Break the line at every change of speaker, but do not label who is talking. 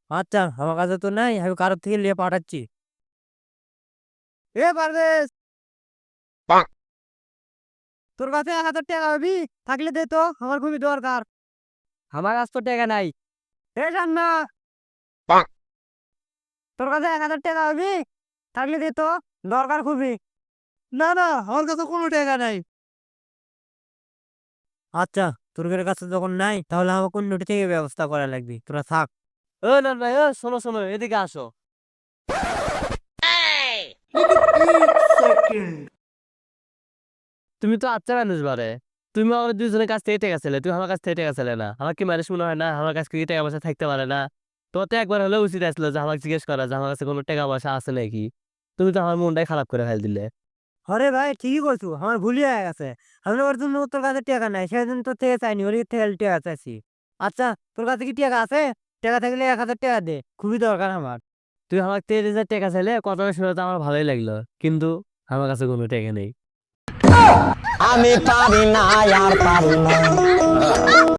আচ্ছা, আমার কাছে তো নাই, আমি কারোর থেকে নিয়ে পাঠাচ্ছি। এ পারভেজ, তোর কাছে 1,000 টাকা হবি? থাকলে দে তো, আমার খুবই দরকার। আমার কাছে তো টাকা নাই। এ জান্না, তোর কাছে 1,000 টাকা হবি? থাকলে দে তো, দরকার খুবই। না না, আমার কাছে কোনো টাকা নাই। আচ্ছা, তোর কাছে যখন নাই তাহলে আমাকে অন্যটি থেকে ব্যবস্থা করা লাগবে, তোরা থাক।
ও না ভাই, ও শোনো শোনো, এদিকে আসো। তুমি তো আচ্ছা মানুষ বারে। তুমি আমার দুজনের কাছ থেকে টাকা ছিলে, তুমি আমার কাছ থেকে টাকা ছিলে না। আমার কি মানুষ মনে হয় না আমার কাছ থেকে টাকা পয়সা থাকতে পারে না? তোমার তো একবার হলেও উচিত আসলো যে আমাকে জিজ্ঞেস করা যে আমার কাছে কোনো টাকা পয়সা আছে নাকি। তুমি তো আমার মনটাই খারাপ করে ফেল দিলে।
আরে ভাই, ঠিকই করছো, আমার ভুলই হয়ে গেছে। আমি ওর জন্য তোর কাছে টাকা নাই, সেদিন তোর থেকে চাইনি, ওর থেকে টাকা চাইছি। আচ্ছা, তোর কাছে কি টাকা আছে? টাকা থাকলে 1,000 টাকা দে, খুবই দরকার আমার।
তুই আমার 30,000 টাকা চাইলে কথাটা শুনে তো আমার ভালোই লাগলো, কিন্তু আমার কাছে কোনো টাকা নেই।
আমি পারি না আর পারি না